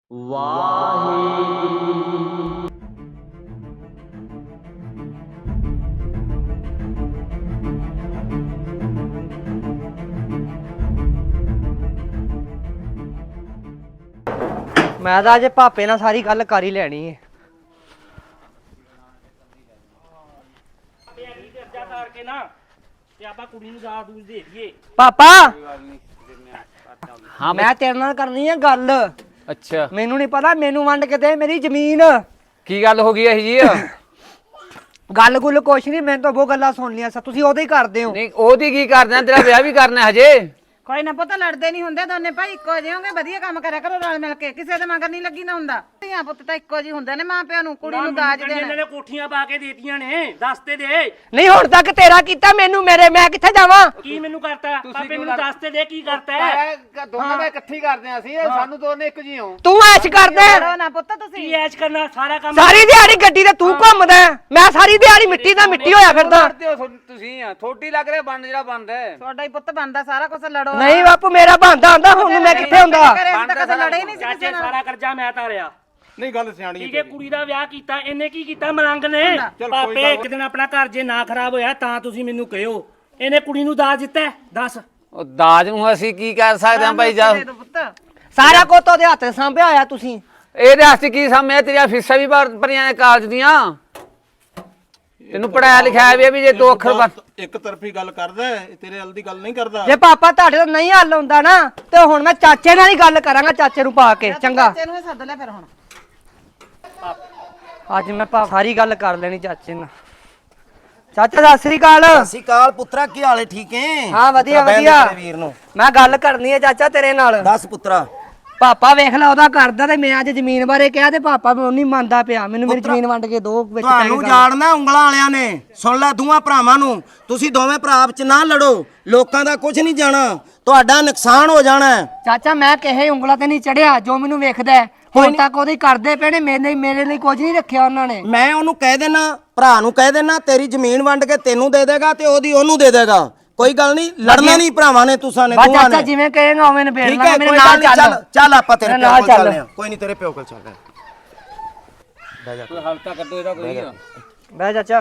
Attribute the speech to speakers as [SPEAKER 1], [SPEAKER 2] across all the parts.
[SPEAKER 1] ਵਾਹਿਗੁਰੂ।
[SPEAKER 2] ਮੈਂ ਤਾਂ ਅੱਜ ਭਾਪੇ ਨਾਲ ਸਾਰੀ ਗੱਲ ਕਰ ਹੀ ਲੈਣੀ ਹੈ।
[SPEAKER 3] ਕਰਕੇ ਨਾ ਤੇ ਆਪਾਂ ਕੁੜੀ ਨੂੰ ਦਾਜ ਦੂਜ ਦੇ ਦਈਏ।
[SPEAKER 2] ਪਾਪਾ
[SPEAKER 4] ਹਾਂ
[SPEAKER 2] ਮੈਂ ਤੇਰੇ ਨਾਲ ਕਰਨੀ ਹੈ ਗੱਲ।
[SPEAKER 4] ਅੱਛਾ
[SPEAKER 2] ਮੈਨੂੰ ਨਹੀਂ ਪਤਾ, ਮੈਨੂੰ ਵੰਡ ਕੇ ਦੇ ਮੇਰੀ ਜ਼ਮੀਨ।
[SPEAKER 4] ਕੀ ਗੱਲ ਹੋ ਗਈ ਇਹ ਜੀ?
[SPEAKER 2] ਗੱਲ ਗੁੱਲ ਕੁਛ ਨਹੀਂ, ਮੈਨੂੰ ਤਾਂ ਬਹੁਤ ਗੱਲਾਂ ਸੁਣ ਲੀਆਂ ਸਾ, ਤੁਸੀਂ ਉਹਦੇ ਹੀ ਕਰਦੇ ਹੋ।
[SPEAKER 4] ਨਹੀਂ ਉਹਦੀ ਕੀ ਕਰਨਾ, ਤੇਰਾ ਵਿਆਹ ਵੀ ਕਰਨਾ ਹਜੇ।
[SPEAKER 5] ਕੋਈ ਨਾ ਪੁੱਤ ਲੜਦੇ ਨਹੀਂ ਹੁੰਦੇ ਦੋਨੇ ਭਾਈ ਇੱਕੋ ਜਿਹੇ ਹੋਗੇ, ਵਧੀਆ ਕੰਮ ਕਰਿਆ ਕਰੋ ਰਲ ਮਿਲ ਕੇ, ਕਿਸੇ ਦੇ ਮਗਰ ਨਹੀਂ ਲੱਗੀ ਨਾ ਹੁੰਦਾ। ਧੀਆਂ ਪੁੱਤ ਤਾਂ ਇੱਕੋ ਜਿਹੇ ਹੁੰਦੇ ਨੇ, ਮਾਂ ਪਿਓ ਨੂੰ ਕੁੜੀ ਨੂੰ ਦਾਜ
[SPEAKER 3] ਇਹਨਾਂ
[SPEAKER 5] ਦੇਣਾ।
[SPEAKER 3] ਨੇ ਕੋਠੀਆਂ ਪਾ ਕੇ ਦੇਤੀਆਂ ਨੇ, ਦੱਸ ਤੇ ਦੇ
[SPEAKER 2] ਨਹੀਂ ਹੁਣ ਤੱਕ ਤੇਰਾ ਕੀਤਾ, ਮੈਨੂੰ ਮੇਰੇ ਮੈਂ ਕਿੱਥੇ ਜਾਵਾਂ?
[SPEAKER 3] ਕੀ ਮੈਨੂੰ ਕਰਤਾ ਪਾਪੇ ਮੈਨੂੰ ਦੱਸ ਤੇ ਦੇ ਕੀ ਕਰਤਾ
[SPEAKER 6] ਦੋਨਾਂ ਦਾ ਇਕੱਠੀ ਕਰਦੇ ਆ ਅਸੀਂ, ਸਾਨੂੰ ਦੋਨੇ ਇੱਕ ਜੀ ਹੋ।
[SPEAKER 2] ਤੂੰ ਐਸ਼ ਕਰਦਾ
[SPEAKER 5] ਲੜੋ ਨਾ ਪੁੱਤ
[SPEAKER 3] ਕੀ
[SPEAKER 5] ਤੁਸੀਂ।
[SPEAKER 3] ਐਸ਼ ਕਰਨਾ, ਸਾਰਾ ਕੰਮ
[SPEAKER 2] ਸਾਰੀ ਦਿਹਾੜੀ ਗੱਡੀ ਤੇ ਤੂੰ ਘੁੰਮਦਾ ਹੈ, ਮੈਂ ਸਾਰੀ ਦਿਹਾੜੀ ਮਿੱਟੀ ਦਾ ਮਿੱਟੀ ਹੋਇਆ ਫਿਰਦਾ।
[SPEAKER 6] ਕਰਦੇ ਹੋ ਤੁਸੀਂ ਆ, ਥੋੜੀ ਲੱਗ ਰਿਹਾ ਬੰਦ ਜਿਹੜਾ ਬੰਦ ਹੈ।
[SPEAKER 5] ਤੁਹਾਡਾ ਹੀ ਪੁੱਤ ਬਣਦਾ ਸਾਰਾ ਕੁਝ, ਲੜੋ ਨਾ।
[SPEAKER 2] ਨਹੀਂ ਬਾਪੂ ਮੇਰਾ ਬੰਦਾ ਆਂਦਾ, ਹੁਣ ਮੈਂ ਕਿੱਥੇ ਹੁੰਦਾ?
[SPEAKER 5] ਘਰੇ ਅਸੀਂ ਤਾਂ ਕਦੇ ਲੜੇ ਹੀ ਨਹੀਂ ਸੀ ਕਿਸੇ
[SPEAKER 3] ਚਾਚੇ
[SPEAKER 5] ਨਾਲ।
[SPEAKER 3] ਸਾਰਾ ਕਰਜ਼ਾ ਮੈਂ ਤਾਰਿਆ।
[SPEAKER 6] ਨਹੀਂ ਗੱਲ ਸਿਆਣੀ
[SPEAKER 3] ਠੀਕ ਹੈ, ਕੁੜੀ ਦਾ ਵਿਆਹ ਕੀਤਾ, ਇਹਨੇ ਕੀ ਕੀਤਾ? ਮਲੰਗ ਨੇ। ਪਾਪੇ ਇੱਕ ਦਿਨ ਆਪਣਾ ਘਰ ਜੇ ਨਾ ਖਰਾਬ ਹੋਇਆ ਤਾਂ ਤੁਸੀਂ ਮੈਨੂੰ ਕਹਿਓ, ਇਹਨੇ ਕੁੜੀ ਨੂੰ ਦਾਜ ਦਿੱਤਾ ਹੈ? ਦੱਸ।
[SPEAKER 4] ਉਹ ਦਾਜ ਨੂੰ ਅਸੀਂ ਕੀ ਕਰ ਸਕਦੇ ਹਾਂ ਭਾਈ ਜਾ।
[SPEAKER 5] ਦੇ ਦਿਓ ਪੁੱਤ।
[SPEAKER 2] ਸਾਰਾ ਕੁਝ ਉਹਦੇ ਹੱਥ ਸਾਂਭਿਆ ਹੋਇਆ ਤੁਸੀਂ।
[SPEAKER 4] ਇਹਦੇ ਵਾਸਤੇ ਕੀ ਸਾਹਮਣੇ ਤੇਰੀਆਂ ਫੀਸਾਂ ਵੀ ਭਰੀਆਂ ਨੇ ਕਾਲਜ ਦੀਆਂ। ਤੈਨੂੰ ਪੜਾਇਆ ਲਿਖਾਇਆ ਵੀ ਜੇ ਦੋ ਅੱਖਰ ਬਸ
[SPEAKER 7] ਇੱਕ ਤਰਫੀ ਗੱਲ ਕਰਦਾ ਹੈ, ਤੇਰੇ ਹੱਲ ਦੀ ਗੱਲ ਨਹੀਂ ਕਰਦਾ।
[SPEAKER 2] ਜੇ ਪਾਪਾ ਤੁਹਾਡੇ ਤੋਂ ਨਹੀਂ ਹੱਲ ਹੁੰਦਾ ਨਾ ਤੇ ਹੁਣ ਮੈਂ ਚਾਚੇ ਨਾਲ ਹੀ ਗੱਲ ਕਰਾਂਗਾ, ਚਾਚੇ ਨੂੰ ਪਾ ਕੇ। ਚੰਗਾ
[SPEAKER 5] ਚਾਚੇ ਨੂੰ ਹੀ ਸੱਦ ਲੈ ਫਿਰ ਹੁਣ।
[SPEAKER 2] ਅੱਜ ਮੈਂ ਸਾਰੀ ਗੱਲ ਕਰ ਲੈਣੀ ਚਾਚੇ ਨਾਲ। ਚਾਚਾ ਸਤਿ ਸ੍ਰੀ ਅਕਾਲ।
[SPEAKER 8] ਸਤਿ ਸ਼੍ਰੀ ਅਕਾਲ ਪੁੱਤਰਾ, ਕੀ ਹਾਲ ਹੈ? ਠੀਕ ਹੈ?
[SPEAKER 2] ਹਾਂ ਵਧੀਆ
[SPEAKER 8] ਬਹਿ
[SPEAKER 2] ਵਧੀਆ।
[SPEAKER 8] ਮੇਰੇ ਵੀਰ ਨੂੰ
[SPEAKER 2] ਮੈਂ ਗੱਲ ਕਰਨੀ ਹੈ ਚਾਚਾ ਤੇਰੇ ਨਾਲ।
[SPEAKER 8] ਦੱਸ ਪੁੱਤਰਾ।
[SPEAKER 2] ਪਾਪਾ ਵੇਖ ਲੈ ਉਹਦਾ ਕਰਦਾ, ਤੇ ਮੈਂ ਅੱਜ ਜ਼ਮੀਨ ਬਾਰੇ ਕਿਹਾ ਤੇ ਪਾਪਾ ਮੈਨੂੰ ਨਹੀਂ ਮੰਨਦਾ ਪਿਆ। ਮੈਨੂੰ ਮੇਰੀ ਜ਼ਮੀਨ ਵੰਡ ਕੇ ਦੋ ਵਿੱਚ ਪੈ
[SPEAKER 8] ਤੁਹਾਨੂੰ
[SPEAKER 2] ਕੇ
[SPEAKER 8] ਜਾਣਨਾ ਉਂਗਲਾਂ ਵਾਲਿਆਂ ਨੇ, ਸੁਣ ਲੈ ਦੋਵਾਂ ਭਰਾਵਾਂ ਨੂੰ, ਤੁਸੀਂ ਦੋਵੇਂ ਭਰਾ ਵਿੱਚ ਨਾ ਲੜੋ, ਲੋਕਾਂ ਦਾ ਕੁਝ ਨਹੀਂ ਜਾਣਾ, ਤੁਹਾਡਾ ਨੁਕਸਾਨ ਹੋ ਜਾਣਾ ਹੈ।
[SPEAKER 2] ਚਾਚਾ ਮੈਂ ਕਿਸੇ ਉਂਗਲਾਂ ਤੇ ਨਹੀਂ ਚੜਿਆ, ਜੋ ਮੈਨੂੰ ਵੇਖਦਾ ਹੈ। ਹੁਣ ਤੱਕ ਉਹਦੇ ਕਰਦੇ ਪਏ ਨੇ, ਮੇਰੇ ਲਈ ਕੁਝ ਨਹੀਂ ਰੱਖਿਆ ਉਹਨਾਂ ਨੇ।
[SPEAKER 8] ਮੈਂ ਉਹਨੂੰ ਕਹਿ ਦੇਣਾ, ਭਰਾ ਨੂੰ ਕਹਿ ਦੇਣਾ, ਤੇਰੀ ਜ਼ਮੀਨ ਵੰਡ ਕੇ ਤੈਨੂੰ ਦੇ ਦੇਗਾ ਤੇ ਉਹਦੀ ਉਹਨੂੰ ਦੇ ਦੇਗਾ। ਕੋਈ ਗੱਲ ਨਹੀਂ, ਲੜਨਾ ਨਹੀਂ ਭਰਾਵਾਂ ਨੇ, ਤੁਸਾਂ ਨੇ
[SPEAKER 2] ਬਸ
[SPEAKER 8] ਦੋਵਾਂ
[SPEAKER 2] ਚਾਚਾ
[SPEAKER 8] ਨੇ।
[SPEAKER 2] ਜਿਵੇਂ ਕਹੇਗਾ ਉਵੇਂ ਨਿਬੇੜ
[SPEAKER 8] ਠੀਕ
[SPEAKER 2] ਲਾਂਗੇ,
[SPEAKER 8] ਹੈ,
[SPEAKER 2] ਮੇਰੇ
[SPEAKER 8] ਕੋਈ
[SPEAKER 2] ਨਾਲ
[SPEAKER 8] ਗੱਲ ਨਹੀਂ,
[SPEAKER 2] ਚੱਲ।
[SPEAKER 8] ਚੱਲ ਆਪਾਂ ਤੇਰੇ
[SPEAKER 2] ਮੇਰੇ
[SPEAKER 8] ਪਿਓ
[SPEAKER 2] ਨਾਲ
[SPEAKER 8] ਕੋਲ
[SPEAKER 2] ਚੱਲ।
[SPEAKER 8] ਚੱਲਦੇ ਹਾਂ। ਕੋਈ ਨਹੀਂ, ਤੇਰੇ ਪਿਓ ਕੋਲ ਚੱਲਦੇ ਹਾਂ।
[SPEAKER 4] ਕੋਈ ਹਲਕਾ ਕੱਢੋ ਇਹਦਾ ਕੋਈ।
[SPEAKER 2] ਬਹਿ ਚਾਚਾ।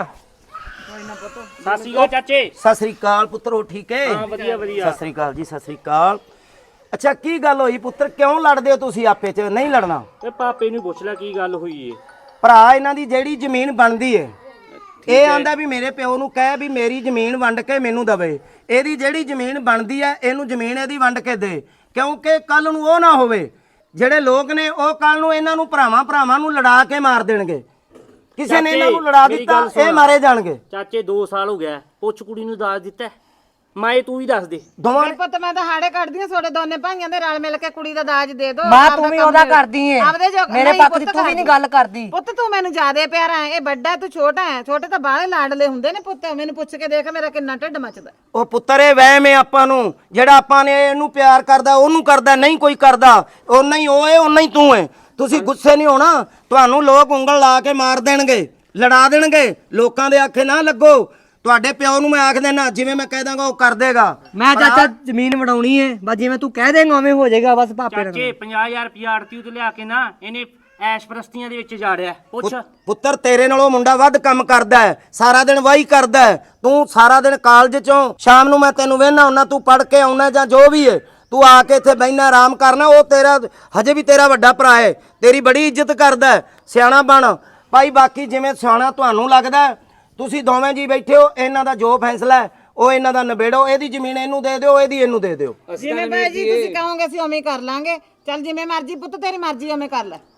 [SPEAKER 3] ਸਤਿ ਸ਼੍ਰੀ ਅਕਾਲ ਚਾਚੇ।
[SPEAKER 8] ਸਤਿ ਸ੍ਰੀ ਅਕਾਲ ਪੁੱਤਰੋ, ਠੀਕ ਹੈ?
[SPEAKER 3] ਹਾਂ ਵਧੀਆ ਵਧੀਆ।
[SPEAKER 8] ਸਤਿ ਸ੍ਰੀ ਅਕਾਲ ਜੀ, ਸਤਿ ਸ੍ਰੀ ਅਕਾਲ। ਅੱਛਾ ਕੀ ਗੱਲ ਹੋਈ ਪੁੱਤਰ, ਕਿਉਂ ਲੜਦੇ ਹੋ ਤੁਸੀਂ ਆਪੇ ਚ? ਨਹੀਂ ਲੜਨਾ।
[SPEAKER 3] ਤੇ ਪਾਪੇ ਨੂੰ ਪੁੱਛ ਲੈ ਕੀ ਗੱਲ ਹੋਈ ਏ।
[SPEAKER 8] ਭਰਾ ਇਹਨਾਂ ਦੀ ਜਿਹੜੀ ਜ਼ਮੀਨ ਬਣਦੀ ਏ, ਇਹ ਆਂਦਾ ਵੀ ਮੇਰੇ ਪਿਓ ਨੂੰ ਕਹਿ ਵੀ ਮੇਰੀ ਜ਼ਮੀਨ ਵੰਡ ਕੇ ਮੈਨੂੰ ਦਵੇ। ਇਹਦੀ ਜਿਹੜੀ ਜ਼ਮੀਨ ਬਣਦੀ ਹੈ ਇਹਨੂੰ ਜ਼ਮੀਨ ਇਹਦੀ ਵੰਡ ਕੇ ਦੇ, ਕਿਉਂਕਿ ਕੱਲ ਨੂੰ ਉਹ ਨਾ ਹੋਵੇ ਜਿਹੜੇ ਲੋਕ ਨੇ ਉਹ ਕੱਲ ਨੂੰ ਇਹਨਾਂ ਨੂੰ ਭਰਾਵਾਂ ਨੂੰ ਲੜਾ ਕੇ ਮਾਰ ਦੇਣਗੇ। ਕਿਸੇ ਨੇ ਇਹਨਾਂ ਨੂੰ ਲੜਾ ਦਿੱਤਾ, ਇਹ ਮਾਰੇ ਜਾਣਗੇ।
[SPEAKER 3] ਚਾਚੇ 2 ਸਾਲ ਹੋ ਗਿਆ, ਪੁੱਛ ਕੁੜੀ ਨੂੰ ਦਾਜ ਦਿੱਤਾ? ਮਾਏ ਤੂੰ ਹੀ ਦੱਸ ਦੇ।
[SPEAKER 8] ਦੋਵਾਂ
[SPEAKER 5] ਮੇਰੇ ਪੁੱਤ ਮੈਂ ਤਾਂ ਹਾੜੇ ਕੱਢਦੀ ਆ, ਤੁਹਾਡੇ ਦੋਨੇ ਭਾਈਆਂ ਦੇ ਰਲ ਮਿਲ ਕੇ ਕੁੜੀ ਦਾ ਦਾਜ ਦੇ ਦੋ।
[SPEAKER 2] ਮਾਂ ਤੂੰ ਵੀ ਉਹਦਾ ਕਰਦੀ ਏ, ਮੇਰੇ ਪੱਖ ਦੀ ਤੂੰ ਵੀ ਨਹੀਂ ਗੱਲ ਕਰਦੀ।
[SPEAKER 5] ਪੁੱਤ ਤੂੰ ਮੈਨੂੰ ਜ਼ਿਆਦੇ ਪਿਆਰਾ ਹੈ, ਇਹ ਵੱਡਾ ਤੂੰ ਛੋਟਾ ਹੈ। ਛੋਟੇ ਤਾਂ ਬਾਹਲੇ ਲਾਡਲੇ ਹੁੰਦੇ ਨੇ ਪੁੱਤ, ਮੈਨੂੰ ਪੁੱਛ ਕੇ ਦੇਖ ਮੇਰਾ ਕਿੰਨਾ ਢਿੱਡ ਮੱਚਦਾ।
[SPEAKER 8] ਉਹ ਪੁੱਤਰ ਇਹ ਵਹਿਮ ਹੈ ਆਪਾਂ ਨੂੰ, ਜਿਹੜਾ ਆਪਾਂ ਨੇ ਇਹਨੂੰ ਪਿਆਰ ਕਰਦਾ ਉਹਨੂੰ ਕਰਦਾ ਨਹੀਂ ਕੋਈ ਕਰਦਾ, ਓਨਾ ਹੀ ਉਹ ਹੈ ਓਨਾ ਹੀ ਤੂੰ ਹੈ। ਤੁਸੀਂ ਗੁੱਸੇ ਨਹੀਂ ਹੋਣਾ, ਤੁਹਾਨੂੰ ਲੋਕ ਉਂਗਲ ਲਾ ਕੇ ਮਾਰ ਦੇਣਗੇ, ਲੜਾ ਦੇਣਗੇ। ਲੋਕਾਂ ਦੇ ਆਖੇ ਨਾ ਲੱਗੋ। ਤੁਹਾਡੇ ਪਿਓ ਨੂੰ ਮੈਂ ਆਖ ਦੇਣਾ, ਜਿਵੇਂ ਮੈਂ ਕਹਿ ਦਾਂਗਾ ਉਹ ਕਰ ਦੇਗਾ।
[SPEAKER 2] ਮੈਂ ਚਾਚਾ ਜ਼ਮੀਨ ਵਡਾਉਣੀ ਏ, ਬਸ ਜਿਵੇਂ ਤੂੰ ਕਹਿ ਦੇਂਗਾ ਉਵੇਂ ਹੋ ਜਾਏਗਾ। ਬਸ ਪਾਪੇ ਨਾਲ
[SPEAKER 3] ਚਾਚੇ 50000 ਰੁਪਇਆ ਆੜਤੀ ਤੇ ਲਿਆ ਕੇ ਨਾ ਇਹਨੇ ਐਸ਼ ਪ੍ਰਸਤੀਆਂ ਦੇ ਵਿੱਚ ਜਾੜਿਆ। ਪੁੱਛ।
[SPEAKER 8] ਪੁੱਤਰ ਤੇਰੇ ਨਾਲੋਂ ਮੁੰਡਾ ਵੱਧ ਕੰਮ ਕਰਦਾ ਹੈ, ਸਾਰਾ ਦਿਨ ਵਾਹੀ ਕਰਦਾ ਹੈ। ਤੂੰ ਸਾਰਾ ਦਿਨ ਕਾਲਜ ਚੋਂ ਸ਼ਾਮ ਨੂੰ ਮੈਂ ਤੈਨੂੰ ਵੇਖਣਾ ਹੁੰਨਾ, ਤੂੰ ਪੜ ਕੇ ਆਉਣਾ ਜਾਂ ਜੋ ਵੀ ਹੈ, ਤੂੰ ਆ ਕੇ ਇੱਥੇ ਬਹਿਣਾ ਆਰਾਮ ਕਰਨਾ। ਉਹ ਤੇਰਾ ਹਜੇ ਵੀ ਤੇਰਾ ਵੱਡਾ ਭਰਾ ਹੈ, ਤੇਰੀ ਬੜੀ ਇੱਜ਼ਤ ਕਰਦਾ ਹੈ। ਸਿਆਣਾ ਬਣ ਭਾਈ। ਬਾਕੀ ਜਿਵੇਂ ਸਿਆਣਾ ਤੁਹਾਨੂੰ ਲੱਗਦਾ, ਤੁਸੀਂ ਦੋਵੇਂ ਜੀ ਬੈਠੇ ਹੋ, ਇਹਨਾਂ ਦਾ ਜੋ ਫੈਸਲਾ ਹੈ ਉਹ ਇਹਨਾਂ ਦਾ ਨਿਬੇੜੋ। ਇਹਦੀ ਜ਼ਮੀਨ ਇਹਨੂੰ ਦੇ ਦਿਓ, ਇਹਦੀ ਇਹਨੂੰ ਦੇ ਦਿਓ।
[SPEAKER 5] ਜਿਵੇਂ ਭਾਈ ਜੀ ਤੁਸੀਂ ਕਹੋਗੇ ਅਸੀਂ ਉਵੇਂ ਕਰ ਲਾਂਗੇ। ਚੱਲ ਜਿਵੇਂ ਮਰਜ਼ੀ ਪੁੱਤ, ਤੇਰੀ ਮਰਜ਼ੀ ਉਵੇਂ ਕਰ ਲੈ।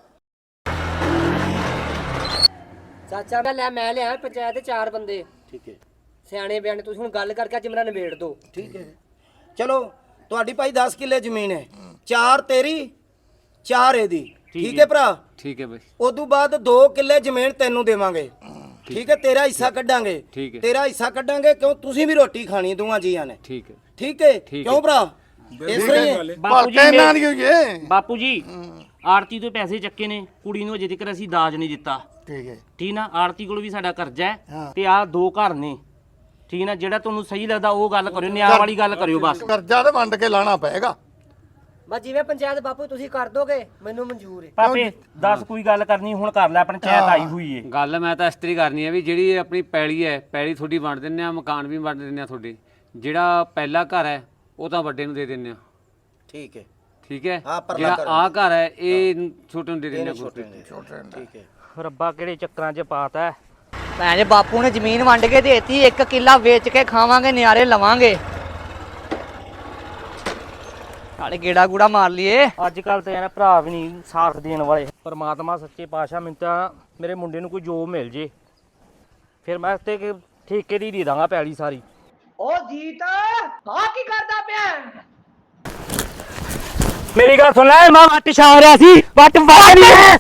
[SPEAKER 2] ਚਾਚਾ ਮੈਂ ਲਿਆ ਪੰਚਾਇਤ ਦੇ 4 ਬੰਦੇ। ਠੀਕ ਹੈ, ਸਿਆਣੇ ਬਿਆਣੇ। ਤੁਸੀਂ ਹੁਣ ਗੱਲ ਕਰਕੇ ਅੱਜ ਮੇਰਾ ਨਿਬੇੜ ਦਿਓ।
[SPEAKER 8] ਠੀਕ ਹੈ, ਚਲੋ ਤੁਹਾਡੀ ਭਾਈ 10 ਕਿੱਲੇ ਜ਼ਮੀਨ ਹੈ, 4 ਤੇਰੀ 4 ਇਹਦੀ। ਠੀਕ ਹੈ ਭਰਾ?
[SPEAKER 4] ਠੀਕ ਹੈ ਬਈ।
[SPEAKER 8] ਉਦੋਂ ਬਾਅਦ 2 ਕਿੱਲੇ ਜ਼ਮੀਨ ਤੈਨੂੰ ਦੇਵਾਂਗੇ। ਠੀਕ ਹੈ, ਤੇਰਾ ਹਿੱਸਾ ਕੱਢਾਂਗੇ।
[SPEAKER 4] ਠੀਕ ਹੈ।
[SPEAKER 8] ਤੇਰਾ ਹਿੱਸਾ ਕੱਢਾਂਗੇ, ਕਿਉਂ ਤੁਸੀਂ ਵੀ ਰੋਟੀ ਖਾਣੀ ਦੋਵਾਂ ਜੀਆਂ ਨੇ।
[SPEAKER 4] ਠੀਕ ਹੈ।
[SPEAKER 8] ਠੀਕ ਹੈ, ਕਿਉਂ ਭਰਾ? ਇਸ ਤਰ੍ਹਾਂ ਹੀ ਹੈ।
[SPEAKER 3] ਬਾਪੂ ਜੀ ਆੜਤੀ ਤੋਂ ਪੈਸੇ ਚੱਕੇ ਨੇ, ਕੁੜੀ ਨੂੰ ਅਜੇ ਤੱਕ ਅਸੀਂ ਦਾਜ ਨਹੀਂ ਦਿੱਤਾ।
[SPEAKER 6] ਠੀਕ ਹੈ,
[SPEAKER 3] ਠੀਕ ਨਾ? ਆੜਤੀ ਕੋਲ ਵੀ ਸਾਡਾ ਕਰਜ਼ਾ ਹੈ ਤੇ ਆਹ 2 ਘਰ ਨੇ। ਠੀਕ ਨਾ? ਜਿਹੜਾ ਤੁਹਾਨੂੰ ਸਹੀ ਲੱਗਦਾ ਉਹ ਗੱਲ ਕਰਿਓ, ਨਿਆਂ ਵਾਲੀ ਗੱਲ ਕਰਿਓ ਬਸ।
[SPEAKER 6] ਕਰਜ਼ਾ ਤੇ ਵੰਡ ਕੇ ਲਾਣਾ ਪਏਗਾ।
[SPEAKER 2] ਬਸ ਜਿਵੇਂ ਪੰਚਾਇਤ ਬਾਪੂ ਤੁਸੀਂ ਕਰ ਦੋਗੇ ਮੈਨੂੰ ਮਨਜ਼ੂਰ ਹੈ।
[SPEAKER 3] ਪਾਪੇ ਦੱਸ ਕੋਈ ਗੱਲ ਕਰਨੀ ਹੁਣ ਕਰ ਲੈ, ਪੰਚਾਇਤ ਆਈ ਹੋਈ ਏ।
[SPEAKER 4] ਗੱਲ ਮੈਂ ਤਾਂ ਇਸ ਤਰੀ ਕਰਨੀ ਹੈ ਵੀ ਜਿਹੜੀ ਆਪਣੀ ਪੈਲੀ ਹੈ, ਪੈਲੀ ਤੁਹਾਡੀ ਵੰਡ ਦਿੰਨੇ ਆ, ਮਕਾਨ ਵੀ ਵੰਡ ਦਿੰਨੇ ਆ ਤੁਹਾਡੇ। ਜਿਹੜਾ ਪਹਿਲਾ ਘਰ ਹੈ ਉਹ ਤਾਂ ਵੱਡੇ ਨੂੰ ਦੇ ਦਿੰਨੇ ਆ,
[SPEAKER 8] ਠੀਕ ਹੈ
[SPEAKER 4] ਠੀਕ ਹੈ।
[SPEAKER 8] ਹਾਂ, ਪਰਲਾ
[SPEAKER 4] ਜਿਹੜਾ
[SPEAKER 8] ਘਰ
[SPEAKER 4] ਆ ਘਰ ਹੈ ਇਹ ਛੋਟੇ ਨੂੰ ਦੇ ਦਿੰਨੇ ਆ
[SPEAKER 8] ਛੋਟੇ ਠੀਕ ਹੈ।
[SPEAKER 3] ਰੱਬਾ ਕਿਹੜੇ ਚੱਕਰਾਂ 'ਚ ਪਾਤਾ।
[SPEAKER 2] ਭੈਣ ਜੀ ਬਾਪੂ ਨੇ ਜ਼ਮੀਨ ਵੰਡ ਕੇ ਦੇਤੀ, 1 ਕਿੱਲਾ ਵੇਚ ਕੇ ਖਾਵਾਂਗੇ, ਨਿਆਰੇ ਲਵਾਂਗੇ, ਨਾਲੇ ਗੇੜਾ ਗੂੜਾ ਮਾਰ ਲਈਏ।
[SPEAKER 3] ਅੱਜ ਕੱਲ ਤਾਂ ਯਾਰ ਭਰਾ ਵੀ ਨਹੀਂ ਸਾਥ ਦੇਣ ਵਾਲੇ। ਪਰਮਾਤਮਾ ਸੱਚੇ ਪਾਤਸ਼ਾਹ ਮੈਨੂੰ ਤਾਂ ਮੇਰੇ ਮੁੰਡੇ ਨੂੰ ਕੋਈ ਜੋਬ ਮਿਲ ਜੇ, ਫਿਰ ਮੈਂ ਤੇ ਠੇਕੇ ਦੀ ਦੇ ਦਾਂਗਾ ਪੈਲੀ ਸਾਰੀ।
[SPEAKER 2] ਓ ਜੀਤ ਆ ਕੀ ਕਰਦਾ ਪਿਆ?
[SPEAKER 3] ਮੇਰੀ ਗੱਲ ਸੁਣ ਲੈ, ਮੈਂ ਵੱਟ ਛਾ ਰਿਹਾ ਸੀ। ਵੱਟ ਵੱਢ ਰਿਹਾ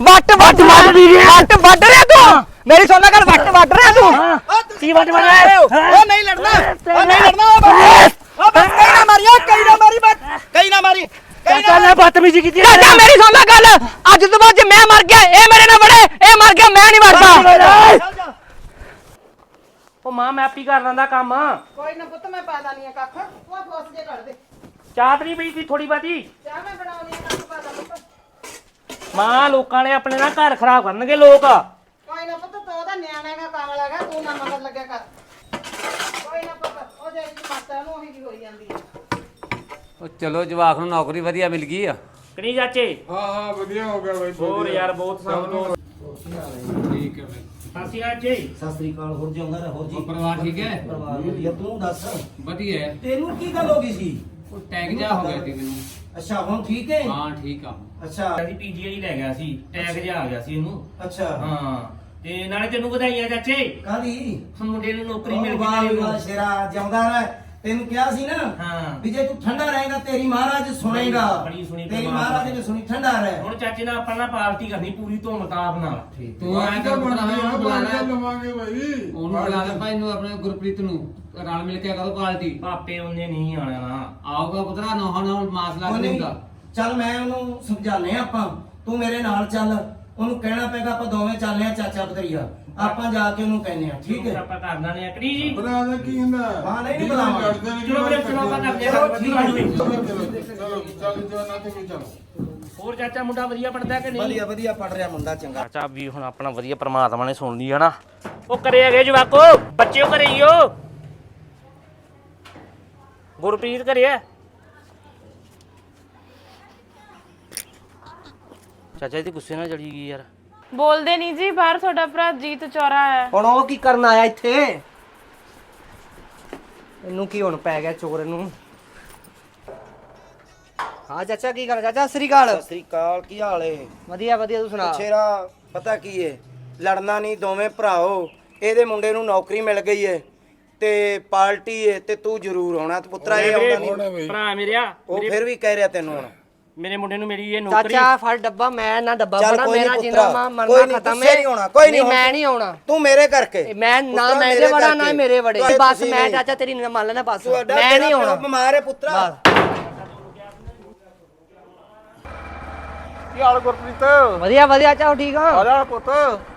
[SPEAKER 3] ਤੂੰ।
[SPEAKER 2] ਮੇਰੀ ਸੁਣਨਾ ਗੱਲ, ਵੱਟ ਰਿਹਾ ਤੂੰ।
[SPEAKER 3] ਕੀ ਵੱਟ ਰਿਹਾ?
[SPEAKER 8] ਉਹ ਨਹੀਂ ਲੜਨਾ, ਉਹ ਨਹੀਂ ਲੜਨਾ, ਉਹ ਬਸ ਕਈ ਨਾ ਮਾਰੀ, ਕਈ ਨਾ ਮਾਰੀ, ਬਸ ਕਈ ਨਾ ਮਾਰੀ।
[SPEAKER 3] ਚਾਚਾ ਬਦਤਮੀਜ਼ੀ ਕੀਤੀ।
[SPEAKER 2] ਚਾਚਾ ਮੇਰੀ ਸੁਣ ਲੈ ਗੱਲ, ਅੱਜ ਤੋਂ ਬਾਅਦ ਜੇ ਮੈਂ ਮਰ ਗਿਆ ਇਹ ਮੇਰੇ ਨਾਲ ਵੜੇ, ਇਹ ਮਰ ਗਿਆ ਮੈਂ ਨਹੀਂ ਮਰਦਾ।
[SPEAKER 3] ਉਹ ਮਾਂ ਮੈਂ ਆਪੀ ਕਰ ਲੈਂਦਾ ਕੰਮ।
[SPEAKER 5] ਕੋਈ ਨਾ ਪੁੱਤ ਮੈਂ ਪਾ ਦਾਨੀ ਆ ਕੱਖ, ਉਹ ਫੋਸ ਜੇ ਕੱਢ ਦੇ।
[SPEAKER 3] ਚਾਹ ਨਹੀਂ ਪਈ ਸੀ ਥੋੜੀ ਬਾਤੀ।
[SPEAKER 5] ਚਾਹ ਮੈਂ ਬਣਾਉਣੀ ਆ, ਕੱਖ ਪਾ ਦਾ ਪੁੱਤ।
[SPEAKER 3] ਮਾਂ ਲੋਕਾਂ ਨੇ ਆਪਣੇ ਨਾਲ ਘਰ ਖਰਾਬ ਕਰਨਗੇ ਲੋਕ।
[SPEAKER 5] ਕੋਈ ਨਾ ਪੁੱਤ, ਤੂੰ ਉਹਦਾ ਨਿਆਣਾ ਹੈਗਾ, ਕੰਮ ਲੱਗਾ, ਤੂੰ ਨਾ ਮਗਰ ਲੱਗਿਆ ਕਰ। ਕੋਈ ਨਾ ਪੁੱਤ, ਉਹ ਜਿਹੜੀ ਮਾਤਾ ਨੂੰ ਉਹੀ ਜੀ ਹੋਈ ਜਾਂਦੀ ਹੈ।
[SPEAKER 4] ਉਹ ਚਲੋ ਜਵਾਕ ਨੂੰ ਨੌਕਰੀ ਵਧੀਆ ਮਿਲ ਗਈ ਆ।
[SPEAKER 3] ਕਨੀ ਚਾਚੇ?
[SPEAKER 7] ਹਾਂ ਵਧੀਆ ਹੋ ਗਿਆ ਬਾਈ।
[SPEAKER 3] ਹੋਰ ਯਾਰ ਬਹੁਤ ਸਮਝੋ।
[SPEAKER 4] ਠੀਕ ਹੈ
[SPEAKER 3] ਸਾਸੀ ਜੀ।
[SPEAKER 8] ਸਤਿ ਸ੍ਰੀ ਅਕਾਲ। ਹੋਰ ਜਿਉਂਦਾ ਰਹਿ, ਹੋਰ ਜੀ
[SPEAKER 4] ਪਰਿਵਾਰ ਠੀਕ ਹੈ?
[SPEAKER 8] ਪਰਿਵਾਰ ਵਧੀਆ। ਤੂੰ ਦੱਸ
[SPEAKER 4] ਵਧੀਆ ਹੈ।
[SPEAKER 8] ਤੈਨੂੰ ਕੀ ਗੱਲ ਹੋ ਗਈ ਸੀ?
[SPEAKER 4] ਉਹ ਟੈਗ ਜਾ ਹੋ ਗਿਆ ਸੀ ਮੈਨੂੰ।
[SPEAKER 8] ਅੱਛਾ ਹੁਣ ਠੀਕ ਹੈ?
[SPEAKER 4] ਹਾਂ ਠੀਕ ਆ।
[SPEAKER 8] ਅੱਛਾ
[SPEAKER 3] ਅਸੀਂ ਪੀਜੀਆਈ ਲੈ ਗਿਆ ਸੀ, ਟੈਗ ਜਿਹਾ ਆ ਗਿਆ ਸੀ ਇਹਨੂੰ।
[SPEAKER 8] ਅੱਛਾ
[SPEAKER 3] ਹਾਂ ਤੇ ਨਾਲੇ ਤੈਨੂੰ ਵਧਾਈਆਂ ਚਾਚੇ,
[SPEAKER 8] ਕਾਹਦੀ?
[SPEAKER 3] ਮੁੰਡੇ ਨੂੰ ਨੌਕਰੀ ਮਿਲ
[SPEAKER 8] ਵਾਹ
[SPEAKER 3] ਗਈ।
[SPEAKER 8] ਵਾਹ ਸ਼ੇਰਾ, ਜਿਉਂਦਾ ਰਹਿ। ਤੈਨੂੰ ਕਿਹਾ ਸੀ ਨਾ
[SPEAKER 3] ਹਾਂ
[SPEAKER 8] ਵੀ ਜੇ ਤੂੰ ਠੰਡਾ ਰਹੇਗਾ ਤੇਰੀ ਮਹਾਰਾਜ ਸੁਣੇਗਾ।
[SPEAKER 3] ਬੜੀ ਸੁਣੀ
[SPEAKER 8] ਤੇਰੀ
[SPEAKER 3] ਪਰਮਾਤਮਾ।
[SPEAKER 8] ਮਹਾਰਾਜ ਨੇ ਸੁਣੀ, ਠੰਡਾ ਰਹਿ।
[SPEAKER 3] ਹੁਣ ਚਾਚੇ ਨਾਲ ਆਪਾਂ ਨਾ ਪਾਰਟੀ ਕਰਨੀ ਪੂਰੀ ਧੂਮਧਾਮ ਨਾਲ।
[SPEAKER 4] ਤੂੰ ਐਂ ਕਰ ਬੁਲਾਣਾ
[SPEAKER 7] ਲਵਾਂਗੇ ਬਾਈ।
[SPEAKER 4] ਉਹਨੂੰ ਬੁਲਾ ਲੈ ਭਾਈ ਨੂੰ, ਆਪਣੇ ਗੁਰਪ੍ਰੀਤ ਨੂੰ, ਰਲ ਮਿਲ ਕੇ ਕਰੋ ਪਾਰਟੀ।
[SPEAKER 3] ਪਾਪੇ ਉਹਨੇ ਨਹੀਂ ਆਣਾ ਨਾ।
[SPEAKER 4] ਆਊਗਾ ਪੁੱਤਰਾ, ਨੋਹਾਂ ਨਾਲ ਮਾਸਲਾ
[SPEAKER 8] ਉਹ
[SPEAKER 4] ਨਹੀਂ
[SPEAKER 8] ਨਹੀਂ,
[SPEAKER 4] ਹੁੰਦਾ।
[SPEAKER 8] ਚੱਲ ਮੈਂ ਉਹਨੂੰ ਸਮਝਾਣੇ ਆਪਾਂ, ਤੂੰ ਮੇਰੇ ਨਾਲ ਚੱਲ। ਉਹਨੂੰ ਕਹਿਣਾ ਪੈਗਾ ਆਪਾਂ ਦੋਵੇਂ ਚੱਲਦੇ ਆ ਚਾਚਾ ਭਤਰੀਆ, ਆਪਾਂ ਜਾ ਕੇ ਉਹਨੂੰ ਕਹਿੰਦੇ ਆ, ਠੀਕ ਹੈ?
[SPEAKER 3] ਆਪਾਂ ਕਰਨਾ ਨੇ ਅਕੜੀ ਜੀ।
[SPEAKER 7] ਬਣਾ ਦਾ ਕੀ ਹੁੰਦਾ?
[SPEAKER 8] ਹਾਂ ਨਹੀਂ ਬੁਲਾਵਾਂਗੇ।
[SPEAKER 3] ਚਲੋ ਵੀਰੇ ਚਲੋ ਆਪਾਂ ਕਰਦੇ ਆ।
[SPEAKER 8] ਚਲੋ ਠੀਕ ਹੈ।
[SPEAKER 7] ਚਲੋ ਚੱਲ ਜਵਾਨਾ ਤੇ ਵੀ ਚਲੋ।
[SPEAKER 3] ਹੋਰ ਚਾਚਾ ਮੁੰਡਾ ਵਧੀਆ ਪੜਦਾ ਕਿ ਨਹੀਂ?
[SPEAKER 8] ਵਧੀਆ ਵਧੀਆ ਪੜ ਰਿਹਾ ਮੁੰਡਾ, ਚੰਗਾ।
[SPEAKER 3] ਚਾਚਾ ਵੀ ਹੁਣ ਆਪਣਾ ਵਧੀਆ ਪ੍ਰਮਾਤਮਾ ਨੇ ਸੁਣ ਲਈ ਹੈ ਨਾ। ਉਹ ਕਰੇ ਹੈਗੇ ਜਵਾਕੋ, ਬੱਚਿਓ ਘਰੇ ਹੀ ਹੋ। ਗੁਰਪ੍ਰੀਤ ਘਰੇ ਹੈ? ਚਾਚਾ ਇਹਦੀ ਗੁੱਸੇ ਨਾਲ ਚੜੀ ਗਈ ਯਾਰ।
[SPEAKER 1] ਬੋਲਦੇ ਨਹੀਂ ਜੀ, ਬਾਹਰ ਤੁਹਾਡਾ ਭਰਾ ਜੀਤ ਚੌਰਾ ਹੈ।
[SPEAKER 2] ਹੁਣ ਉਹ ਕੀ ਕਰਨ ਆਇਆ ਇੱਥੇ? ਇਹਨੂੰ ਕੀ ਹੁਣ ਪੈ ਗਿਆ ਚੋਰ ਨੂੰ? ਹਾਂ ਚਾਚਾ ਕੀ ਕਰ? ਚਾਚਾ ਸਤਿ ਸ੍ਰੀ ਅਕਾਲ।
[SPEAKER 8] ਸਤਿ ਸ੍ਰੀ ਅਕਾਲ, ਕੀ ਹਾਲ ਏ?
[SPEAKER 2] ਵਧੀਆ ਵਧੀਆ, ਤੂੰ ਸੁਣਾ।
[SPEAKER 8] ਸ਼ੇਰਾ ਪਤਾ ਕੀ ਏ, ਲੜਨਾ ਨਹੀਂ, ਦੋਵੇਂ ਭਰਾਓ। ਇਹਦੇ ਮੁੰਡੇ ਨੂੰ ਨੌਕਰੀ ਮਿਲ ਗਈ ਏ ਤੇ ਪਾਰਟੀ ਏ ਤੇ ਤੂੰ ਜ਼ਰੂਰ ਹੋਣਾ ਤੇ ਪੁੱਤਰਾ ਇਹ ਆਉਂਦਾ ਨਹੀਂ।
[SPEAKER 3] ਭਰਾ ਮੇਰਿਆ,
[SPEAKER 8] ਉਹ ਫਿਰ ਵੀ ਕਹਿ ਰਿਹਾ ਤੈਨੂੰ ਹੁਣ।
[SPEAKER 3] ਮੇਰੇ ਮੁੰਡੇ ਨੂੰ ਮੇਰੀ ਇਹ ਨੌਕਰੀ।
[SPEAKER 2] ਚਾਚਾ ਫੜ ਡੱਬਾ, ਮੈਂ ਨਾ ਡੱਬਾ
[SPEAKER 8] ਚੱਲ
[SPEAKER 2] ਬਣਾ,
[SPEAKER 8] ਕੋਈ
[SPEAKER 2] ਮੇਰਾ
[SPEAKER 8] ਨਹੀਂ
[SPEAKER 2] ਜਿੰਨਾ
[SPEAKER 8] ਪੁੱਤਰਾ,
[SPEAKER 2] ਮਰਨਾ
[SPEAKER 8] ਕੋਈ ਨਹੀਂ,
[SPEAKER 2] ਖਤਮ
[SPEAKER 8] ਗੁੱਸੇ ਨਹੀਂ ਹੋਣਾ, ਕੋਈ ਨਹੀਂ
[SPEAKER 2] ਮੈਂ ਨਹੀਂ ਆਉਣਾ।
[SPEAKER 8] ਤੂੰ ਮੇਰੇ ਕਰਕੇ
[SPEAKER 2] ਮੈਂ ਨਾ
[SPEAKER 8] ਪੁੱਤਰਾ,
[SPEAKER 2] ਮੈਂ ਇਹਦੇ
[SPEAKER 8] ਮੇਰੇ
[SPEAKER 2] ਵੜਾ ਨਾ
[SPEAKER 8] ਕਰਕੇ।
[SPEAKER 2] ਮੇਰੇ ਵੜੇ,
[SPEAKER 8] ਤੂੰ
[SPEAKER 2] ਬਸ
[SPEAKER 8] ਤੁਸੀਂ
[SPEAKER 2] ਮੈਂ
[SPEAKER 8] ਨਹੀਂ।
[SPEAKER 2] ਚਾਚਾ ਤੇਰੀ ਮੰਨ ਲੈਣਾ, ਬਸ
[SPEAKER 8] ਤੁਹਾਡਾ
[SPEAKER 2] ਮੈਂ ਨਹੀਂ
[SPEAKER 8] ਤੇਰਾ
[SPEAKER 2] ਆਉਣਾ।
[SPEAKER 8] ਪਿਓ ਬਿਮਾਰ ਹੈ ਪੁੱਤਰਾ।
[SPEAKER 7] ਕੀ ਹਾਲ ਗੁਰਪ੍ਰੀਤ?
[SPEAKER 2] ਵਧੀਆ ਵਧੀਆ, ਚਾਹ ਠੀਕ ਆ?
[SPEAKER 7] ਆ ਜਾ ਪੁੱਤ।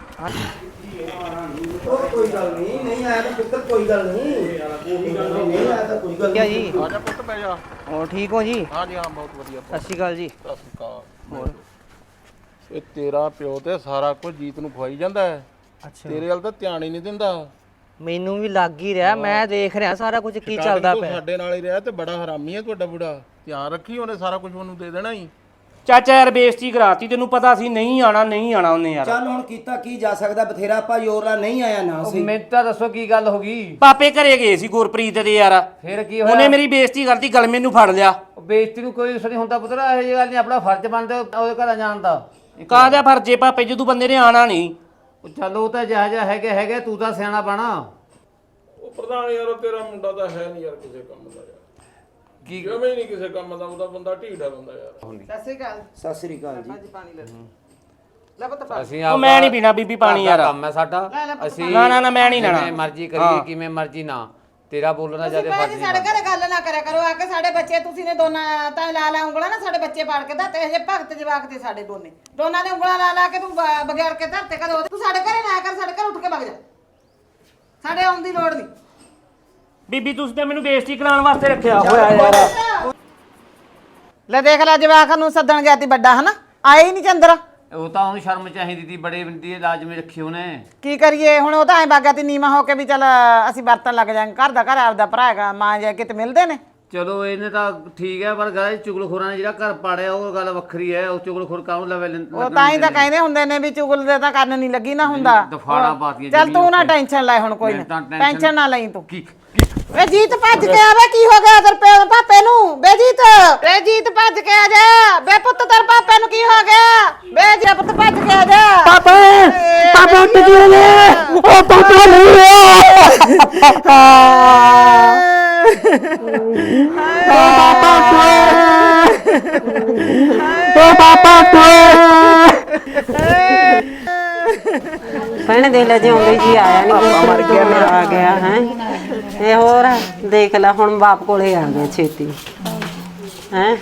[SPEAKER 8] ਉਹ ਕੋਈ ਗੱਲ ਨਹੀਂ, ਨਹੀਂ ਆਇਆ ਤਾਂ ਪੁੱਤਰ ਕੋਈ ਗੱਲ ਨਹੀਂ। ਨਹੀਂ ਆਇਆ ਤਾਂ ਕੋਈ ਗੱਲ
[SPEAKER 2] ਕਿਆ
[SPEAKER 8] ਨਹੀਂ।
[SPEAKER 2] ਜੀ?
[SPEAKER 7] ਆ ਜਾ ਪੁੱਤ ਬਹਿ ਜਾ।
[SPEAKER 2] ਹੋਰ ਠੀਕ ਹੋ ਜੀ?
[SPEAKER 7] ਹਾਂ ਜੀ ਹਾਂ, ਬਹੁਤ ਵਧੀਆ।
[SPEAKER 2] ਸਤਿ ਸ਼੍ਰੀ ਅਕਾਲ ਜੀ।
[SPEAKER 7] ਸਤਿ ਸ਼੍ਰੀ ਅਕਾਲ। ਹੋਰ ਇਹ ਤੇਰਾ ਪਿਓ ਤੇ ਸਾਰਾ ਕੁਝ ਜੀਤ ਨੂੰ ਖਵਾਈ ਜਾਂਦਾ ਹੈ।
[SPEAKER 2] ਅੱਛਾ,
[SPEAKER 7] ਤੇਰੇ ਵੱਲ ਤਾਂ ਧਿਆਨ ਹੀ ਨਹੀਂ ਦਿੰਦਾ।
[SPEAKER 2] ਮੈਨੂੰ ਵੀ ਲੱਗ ਹੀ ਰਿਹਾ, ਮੈਂ ਦੇਖ ਰਿਹਾ ਸਾਰਾ ਕੁਝ ਕੀ ਚੱਲਦਾ
[SPEAKER 7] ਤੂੰ
[SPEAKER 2] ਪਿਆ।
[SPEAKER 7] ਸਾਡੇ ਨਾਲ ਹੀ ਰਿਹਾ ਤੇ ਬੜਾ ਹਰਾਮੀ ਹੈ ਤੁਹਾਡਾ ਬੁੜਾ। ਧਿਆਨ ਰੱਖੀ, ਉਹਨੇ ਸਾਰਾ ਕੁਝ ਉਹਨੂੰ ਦੇ ਦੇਣਾ ਹੀ।
[SPEAKER 3] ਚਾਚਾ ਯਾਰ ਬੇਇੱਜ਼ਤੀ ਕਰਾਤੀ, ਤੈਨੂੰ ਪਤਾ ਸੀ ਨਹੀਂ ਆਣਾ ਉਹਨੇ ਯਾਰ।
[SPEAKER 8] ਚੱਲ ਹੁਣ ਕੀਤਾ ਕੀ ਜਾ ਸਕਦਾ, ਬਥੇਰਾ ਆਪਾਂ ਜ਼ੋਰ ਨਾਲ ਨਹੀਂ ਆਇਆ ਨਾ ਸੀ।
[SPEAKER 4] ਮੈਨੂੰ ਤਾਂ ਦੱਸੋ ਕੀ ਗੱਲ ਹੋ ਗਈ?
[SPEAKER 3] ਪਾਪੇ ਘਰੇ ਗਏ ਸੀ ਗੁਰਪ੍ਰੀਤ ਦੇ ਯਾਰ,
[SPEAKER 4] ਫਿਰ ਕੀ
[SPEAKER 3] ਉਹਨੇ ਮੇਰੀ ਬੇਇੱਜ਼ਤੀ ਕਰਤੀ, ਗਲਮੇ ਨੂੰ ਫੜ ਲਿਆ।
[SPEAKER 4] ਬੇਇੱਜ਼ਤੀ ਨੂੰ ਕੋਈ ਨਹੀਂ ਹੁੰਦਾ ਪੁੱਤਰਾ, ਇਹ ਗੱਲ ਨਹੀਂ, ਆਪਣਾ ਫਰਜ਼ ਬਣਦਾ ਉਹਦੇ ਘਰ ਜਾਣ ਦਾ।
[SPEAKER 3] ਕਾਹਦਾ ਫਰਜ਼ੇ ਪਾਪੇ, ਜਦੋਂ ਬੰਦੇ ਨੇ ਆਣਾ ਨਹੀਂ।
[SPEAKER 4] ਉਹ ਚੱਲ ਉਹ ਤਾਂ ਜਿਹਾ ਜਿਹਾ ਹੈਗੇ, ਤੂੰ ਤਾਂ ਸਿਆਣਾ ਬਣਾ।
[SPEAKER 7] ਉਹ ਪ੍ਰਧਾਨ ਯਾਰ, ਤੇਰਾ ਮੁੰਡਾ ਤਾਂ ਹੈ ਨਹੀਂ ਯਾਰ ਕਿਸੇ ਕੰਮ ਦਾ ਯਾਰ।
[SPEAKER 4] ਕੀ
[SPEAKER 7] ਜਿਵੇਂ ਹੀ ਨਹੀਂ ਕਿਸੇ ਕੰਮ ਦਾ, ਉਹਦਾ ਬੰਦਾ ਢੀਠਾ ਬੰਦਾ ਯਾਰ।
[SPEAKER 5] ਸਤਿ ਸ਼੍ਰੀ ਅਕਾਲ।
[SPEAKER 8] ਸਤਿ ਸ੍ਰੀ ਅਕਾਲ ਜੀ।
[SPEAKER 5] ਅੱਜ ਪਾਣੀ ਲੈ ਲੈ ਪੁੱਤ ਪਾ।
[SPEAKER 4] ਅਸੀਂ
[SPEAKER 3] ਉਹ ਮੈਂ ਨਹੀਂ ਪੀਣਾ ਬੀਬੀ ਪਾਣੀ ਯਾਰ।
[SPEAKER 4] ਕੰਮ ਹੈ ਸਾਡਾ, ਅਸੀਂ
[SPEAKER 3] ਨਾ ਮੈਂ ਨਹੀਂ ਲੈਣਾ।
[SPEAKER 4] ਜਿਵੇਂ ਮਰਜ਼ੀ ਕਰੀਏ, ਕਿਵੇਂ ਮਰਜ਼ੀ ਨਾ। ਤੇਰਾ ਬੋਲਣਾ
[SPEAKER 5] ਤੁਸੀਂ
[SPEAKER 4] ਜਿਆਦਾ
[SPEAKER 5] ਭਾਈ
[SPEAKER 4] ਫਰਜ਼
[SPEAKER 5] ਜੀ ਸਾਡੇ ਘਰੇ ਗੱਲ ਨਾ ਕਰਿਆ ਕਰੋ ਆ ਕੇ। ਸਾਡੇ ਬੱਚੇ ਤੁਸੀਂ ਨੇ ਦੋਨਾਂ ਤਾਂ ਲਾ ਲਾ ਉਂਗਲਾਂ ਨਾ, ਸਾਡੇ ਬੱਚੇ ਪਾੜ ਕੇ ਧਰਤੇ। ਹਜੇ ਭਗਤ ਜਵਾਕ ਤੇ ਸਾਡੇ ਦੋਨਾਂ ਨੇ ਉਂਗਲਾਂ ਲਾ ਲਾ ਕੇ ਤੂੰ ਬਗੈਰ ਕੇ ਧਰਤੇ ਕਦੇ। ਤੂੰ ਸਾਡੇ ਘਰੇ ਨਾ ਕਰ, ਸਾਡੇ ਘਰ ਉੱਠ ਕੇ ਵਗ ਜਾ, ਸਾਡੇ ਆਉਣ ਦੀ ਲੋੜ ਨਹੀਂ।
[SPEAKER 3] ਬੀਬੀ ਤੁਸੀਂ ਤੇ ਮੈਨੂੰ ਬੇਇੱਜ਼ਤੀ ਕਰਾਉਣ ਵਾਸਤੇ ਰੱਖਿਆ ਹੋਇਆ ਯਾਰ।
[SPEAKER 5] ਲੈ ਦੇਖ ਲੈ ਜਵਾਕ ਨੂੰ ਸੱਦਣ ਗਿਆ ਤੀ ਵੱਡਾ ਹਨਾ, ਆਏ ਹੀ ਨਹੀਂ ਚੰਦਰ।
[SPEAKER 4] ਉਹ ਤਾਂ ਉਹਨੂੰ ਸ਼ਰਮ ਚਾਹੀਦੀ ਤੀ, ਬੜੇ ਦੀ ਲਾਜ਼ਮੀ ਰੱਖੀ ਉਹਨੇ।
[SPEAKER 5] ਕੀ ਕਰੀਏ ਹੁਣ, ਉਹ ਤਾਂ ਐ ਬਾਗਾ ਤੀ ਨੀਵਾਂ ਹੋ ਕੇ ਵੀ ਚੱਲ ਅਸੀਂ ਵਰਤਣ ਲੱਗ ਜਾਾਂਗੇ। ਘਰ ਦਾ ਘਰ ਆਪਦਾ ਭਰਾ ਹੈਗਾ, ਮਾਂ ਜਾ ਕਿਤੇ ਮਿਲਦੇ ਨੇ।
[SPEAKER 4] ਚਲੋ ਇਹਨੇ ਤਾਂ ਠੀਕ ਹੈ, ਪਰ ਗੱਲ ਚੁਗਲਖੋਰਾਂ ਨੇ ਜਿਹੜਾ ਘਰ ਪਾੜਿਆ ਉਹ ਗੱਲ ਵੱਖਰੀ ਹੈ। ਉਹ ਚੁਗਲਖੋਰ ਕਾਹਨੂੰ ਲਵੇ
[SPEAKER 5] ਉਹ ਤਾਂ ਹੀ ਤਾਂ ਕਹਿੰਦੇ ਹੁੰਦੇ ਨੇ ਵੀ ਚੁਗਲ ਦੇ ਤਾਂ ਕੰਨ ਨਹੀਂ ਲੱਗੀ ਨਾ ਹੁੰਦਾ।
[SPEAKER 4] ਦਫਾੜਾ ਪਾਤੀਆਂ
[SPEAKER 5] ਚੱਲ ਤੂੰ ਨਾ ਟੈਨਸ਼ਨ ਲੈ ਹੁਣ, ਕੋਈ ਨਾ ਟੈਨਸ਼ਨ ਨਾ ਲਈ ਤੂੰ।
[SPEAKER 4] ਕੀ
[SPEAKER 5] ਵੇ ਜੀਤ ਭੱਜ ਕੇ ਆਵੇ, ਕੀ ਹੋ ਗਿਆ ਤੇਰੇ ਪਾਪੇ ਨੂੰ? ਬੇ ਜੀਤ ਭੱਜ ਕੇ ਆ ਜਾ। ਬੇ ਪੁੱਤ ਤੇਰੇ ਪਾਪੇ ਨੂੰ ਕੀ ਹੋ ਗਿਆ? ਬੇ ਜੀ ਪੁੱਤ ਭੱਜ ਕੇ ਆ ਜਾ।
[SPEAKER 8] ਪਾਪਾ ਉੱਠ ਗਏ ਨੇ, ਉਹ ਪਾਪਾ ਨਹੀਂ
[SPEAKER 9] ਭੈਣੇ ਦੇਖ ਲੈ, ਜਿਉਂਦੇ ਜੀ ਆਇਆ ਨਹੀਂ, ਮਰ ਗਿਆ ਮੇਰਾ ਆ ਗਿਆ ਹੈ। ਇਹ ਹੋਰ ਦੇਖ ਲੈ ਹੁਣ ਬਾਪ ਕੋਲੇ ਆ ਗਿਆ ਛੇਤੀ ਹੈ।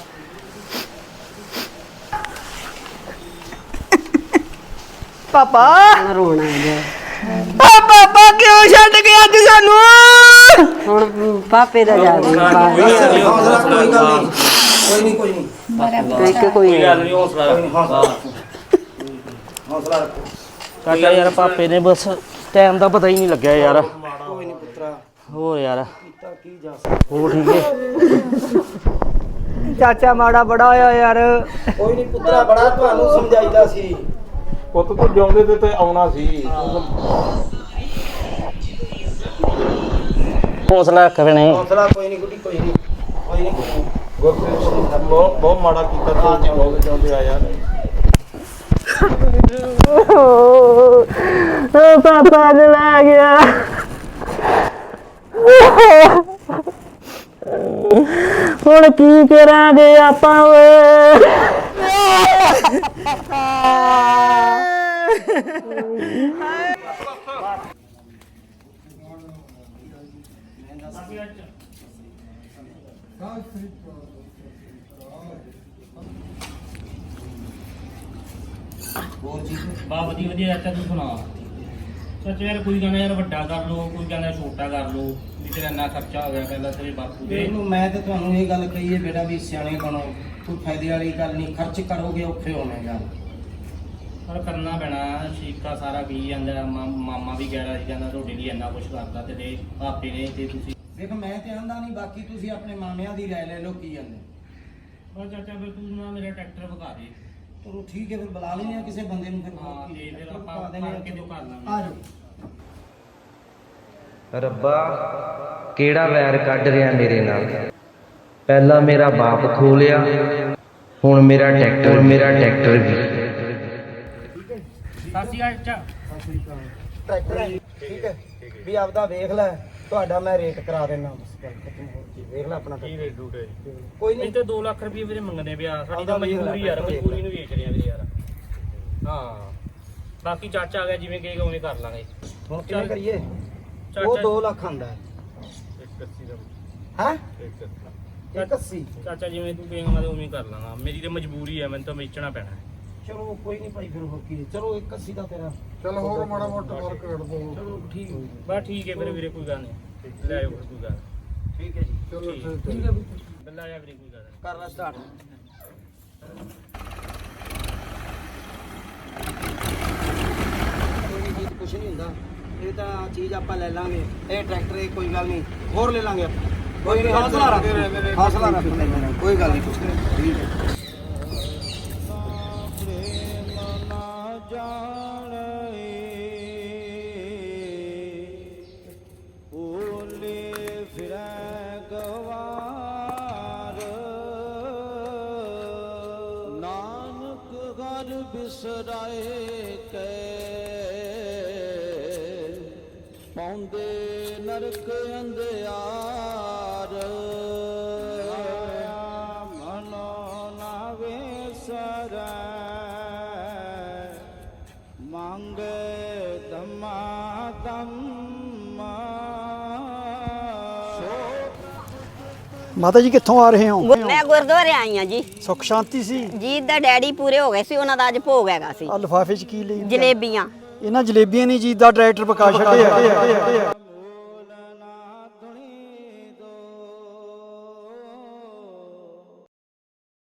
[SPEAKER 8] ਪਾਪਾ
[SPEAKER 9] ਰੋਣਾ ਆ ਗਿਆ।
[SPEAKER 8] ਪਾਪਾ ਕਿਉਂ ਛੱਡ ਗਿਆ ਅੱਜ ਸਾਨੂੰ?
[SPEAKER 9] ਹੁਣ ਪਾਪੇ ਦਾ ਜਾ
[SPEAKER 8] ਕੋਈ ਗੱਲ ਨਹੀਂ, ਕੋਈ ਨਹੀਂ
[SPEAKER 9] ਇੱਕ ਕੋਈ
[SPEAKER 3] ਗੱਲ ਨਹੀਂ, ਹੌਸਲਾ ਰੱਖ।
[SPEAKER 8] ਹੌਸਲਾ ਰੱਖੋ।
[SPEAKER 3] ਚਾਚਾ ਯਾਰ ਪਾਪੇ ਨੇ ਬਸ ਟਾਈਮ ਦਾ ਪਤਾ ਹੀ ਨਹੀਂ ਲੱਗਿਆ ਯਾਰ।
[SPEAKER 8] ਕੋਈ ਨਹੀਂ ਪੁੱਤਰਾ,
[SPEAKER 3] ਹੋਰ ਯਾਰ
[SPEAKER 8] ਕੀ ਜਾ
[SPEAKER 3] ਹੋਰ ਠੀਕ ਹੈ।
[SPEAKER 2] ਚਾਚਾ ਮਾੜਾ ਬੜਾ ਹੋਇਆ ਯਾਰ।
[SPEAKER 8] ਕੋਈ ਨਹੀਂ ਪੁੱਤਰਾ, ਬੜਾ ਤੁਹਾਨੂੰ ਸਮਝਾਈਦਾ ਸੀ।
[SPEAKER 7] ਪੁੱਤ ਤੂੰ ਜਿਉਂਦੇ ਤੇ ਆਉਣਾ ਸੀ।
[SPEAKER 3] ਹੌਸਲਾ ਰੱਖ ਭੈਣੇ।
[SPEAKER 8] ਹੌਸਲਾ ਕੋਈ ਨਹੀਂ ਗੁੱਡੀ, ਕੋਈ ਨਹੀਂ, ਕੋਈ ਨਹੀਂ।
[SPEAKER 7] ਗੁਰਪ੍ਰੀਤ ਸਿੰਘ ਬਹੁਤ ਮਾੜਾ ਕੀਤਾ ਤੂੰ ਜਿਉਂਦੇ ਜਿਉਂਦੇ ਆਇਆ।
[SPEAKER 3] ਪਾਪਾ ਨੇ ਲੈ ਗਿਆ। ਹੁਣ ਕੀ ਕਰਾਂਗੇ ਆਪਾਂ ਓਏ? ਬਾ ਵਧੀਆ ਵਧੀਆ ਚਾਚਾ, ਤੂੰ ਸੁਣਾ। ਚਾਚਾ ਯਾਰ ਕੋਈ ਕਹਿੰਦਾ ਯਾਰ ਵੱਡਾ ਕਰ ਲੋ, ਕੋਈ ਕਹਿੰਦਾ ਛੋਟਾ ਕਰ ਲੋ, ਵੀ ਤੇਰਾ ਇੰਨਾ ਖਰਚਾ ਹੋ ਗਿਆ ਪਹਿਲਾਂ ਤੇਰੇ ਬਾਪੂ ਦੇ।
[SPEAKER 8] ਮੈਂ ਤੇ ਤੁਹਾਨੂੰ ਇਹ ਗੱਲ ਕਹੀ ਹੈ ਬੇਟਾ ਵੀ ਸਿਆਣੇ ਬਣੋ, ਕੋਈ ਫਾਇਦੇ ਵਾਲੀ ਗੱਲ ਨਹੀਂ। ਖਰਚ ਕਰੋਗੇ ਔਖੇ ਹੋਣੇਗਾ।
[SPEAKER 3] ਪਰ ਕਰਨਾ ਪੈਣਾ, ਸ਼ੀਕਾ ਸਾਰਾ ਪੀ ਜਾਂਦਾ। ਮਾਮਾ ਵੀ ਕਹਿ ਰਿਹਾ ਸੀ, ਕਹਿੰਦਾ ਤੁਹਾਡੇ ਲਈ ਇੰਨਾ ਕੁਛ ਕਰਦਾ ਤੇ ਪਾਪੇ ਨੇ ਤੇ ਤੁਸੀਂ।
[SPEAKER 8] ਦੇਖ ਮੈਂ ਤੇ ਆਂਦਾ ਨਹੀਂ, ਬਾਕੀ ਤੁਸੀਂ ਆਪਣੇ ਮਾਮਿਆਂ ਦੀ ਰਾਏ ਲੈ ਲਓ ਕੀ ਜਾਂਦੇ।
[SPEAKER 3] ਪਰ ਚਾਚਾ ਫਿਰ ਤੂੰ ਨਾ ਮੇਰਾ ਟਰੈਕਟਰ ਵਿਖਾ ਦੇ।
[SPEAKER 8] ਚਲੋ ਠੀਕ ਹੈ, ਫਿਰ ਬੁਲਾ ਲੈਂਦੇ ਆ ਕਿਸੇ ਬੰਦੇ ਨੂੰ। ਫਿਰ
[SPEAKER 3] ਹਾਂ ਤੇ ਫਿਰ ਆਪਾਂ ਕਰਕੇ ਜੋ ਕਰ ਲਾਂਗੇ।
[SPEAKER 8] ਆ ਜਾਓ।
[SPEAKER 10] ਰੱਬਾ ਕਿਹੜਾ ਵੈਰ ਕੱਢ ਰਿਹਾ ਮੇਰੇ ਨਾਲ। ਪਹਿਲਾਂ ਮੇਰਾ ਬਾਪ ਖੋ ਲਿਆ, ਹੁਣ ਮੇਰਾ ਟਰੈਕਟਰ ਵੀ।
[SPEAKER 3] ਸਾਸੀ ਚਾਚਾ
[SPEAKER 8] ਟਰੈਕਟਰ ਠੀਕ ਹੈ ਵੀ ਆਪਦਾ ਵੇਖ ਲੈ, ਤੁਹਾਡਾ ਮੈਂ ਰੇਟ ਕਰਾ ਦੇਣਾ। ਬਸ ਗੱਲ ਖਤਮ ਹੋ ਗਈ। ਵੇਖ ਲੈ ਆਪਣਾ
[SPEAKER 3] ਕੀ ਰੇਟ ਡੂਟ ਹੈ?
[SPEAKER 8] ਕੋਈ ਨਹੀਂ
[SPEAKER 3] ਤੇ 2 ਲੱਖ ਰੁਪਏ ਵੀਰੇ ਮੰਗਦੇ ਪਿਆ। ਸਾਡੀ ਤਾਂ ਮਜਬੂਰੀ ਯਾਰ, ਮਜਬੂਰੀ ਨੂੰ ਵੇਚ ਰਿਹਾ ਵੀਰੇ ਯਾਰ। ਹਾਂ ਬਾਕੀ ਚਾਚਾ ਆ ਗਿਆ, ਜਿਵੇਂ ਕਹੇਗਾ ਉਵੇਂ ਕਰ ਲਾਂਗੇ।
[SPEAKER 8] ਹੁਣ ਕਿਵੇਂ ਕਰੀਏ?
[SPEAKER 3] ਚਾਚਾ
[SPEAKER 8] ਉਹ 2 ਲੱਖ ਆਂਦਾ ਹੈ। 180
[SPEAKER 3] ਚਾਚਾ ਜਿਵੇਂ ਤੂੰ ਕਹੇਗਾ ਮੈਂ ਤਾਂ ਉਵੇਂ ਕਰ ਲਾਂਗਾ। ਮੇਰੀ ਤੇ ਮਜਬੂਰੀ ਹੈ, ਮੈਨੂੰ ਤਾਂ ਵੇਚਣਾ ਪੈਣਾ।
[SPEAKER 8] ਚਲੋ ਕੋਈ ਨਹੀਂ ਭਾਈ, ਫਿਰ ਹੋ ਕੀ। ਚਲੋ 180 ਦਾ ਤੇਰਾ।
[SPEAKER 7] ਚਲ ਹੋਰ ਮਾੜਾ ਮੋਟਾ ਫਰਕ ਕੱਢ ਦੋ।
[SPEAKER 8] ਚਲੋ ਠੀਕ ਹੈ।
[SPEAKER 3] ਬਸ ਠੀਕ ਹੈ ਫਿਰ ਵੀਰੇ, ਕੋਈ ਗੱਲ ਨਹੀਂ, ਲੈ ਆਓ ਕੋਈ ਗੱਲ।
[SPEAKER 8] ਠੀਕ ਹੈ ਜੀ,
[SPEAKER 7] ਚਲੋ
[SPEAKER 8] ਠੀਕ ਹੈ ਵੀ।
[SPEAKER 3] ਬੱਲਾ ਆ ਵੀਰੇ, ਕੋਈ ਗੱਲ ਨਹੀਂ।
[SPEAKER 8] ਕਰ ਲੈ ਸਟਾਰਟ। ਕੁਛ ਨਹੀਂ ਹੁੰਦਾ, ਇਹ ਤਾਂ ਚੀਜ਼ ਆਪਾਂ ਲੈ ਲਾਂਗੇ। ਇਹ ਟਰੈਕਟਰ ਇਹ ਕੋਈ ਗੱਲ ਨਹੀਂ, ਹੋਰ ਲੈ ਲਾਂਗੇ ਆਪਾਂ। ਕੋਈ ਨਹੀਂ, ਹੌਸਲਾ ਰੱਖ, ਹੌਸਲਾ ਰੱਖ। ਕੋਈ ਗੱਲ ਨਹੀਂ, ਕੁਛ ਨਹੀਂ। ਠੀਕ ਹੈ।
[SPEAKER 10] ਬਿਸਰਾਏ ਕੇ ਪੌਂਦੇ ਨਰਕ ਅੰਧਿਆਰ ਮਨੋ ਨਾਵੇ ਸਰੈ ਮੰਗੇ ਧਮਾ ਧੰਮਾ।
[SPEAKER 11] ਮਾਤਾ ਜੀ ਕਿੱਥੋਂ ਆ ਰਹੇ ਹੋ?
[SPEAKER 9] ਮੈਂ ਗੁਰਦੁਆਰੇ ਆਈ ਆ ਜੀ।
[SPEAKER 11] ਸੁੱਖ ਸ਼ਾਂਤੀ ਸੀ?
[SPEAKER 9] ਜੀਤ ਦਾ ਡੈਡੀ ਪੂਰੇ ਹੋ ਗਏ ਸੀ, ਉਹਨਾਂ ਦਾ ਅੱਜ ਭੋਗ ਹੈਗਾ ਸੀ।
[SPEAKER 11] ਆ ਲਿਫਾਫੇ 'ਚ ਕੀ ਲਈ?
[SPEAKER 9] ਜਲੇਬੀਆਂ।
[SPEAKER 11] ਇਹਨਾਂ ਜਲੇਬੀਆਂ ਨੇ ਜੀਤ ਦਾ ਡਾਇਰੈਕਟਰ ਪਕਾ ਛੱਡਿਆ।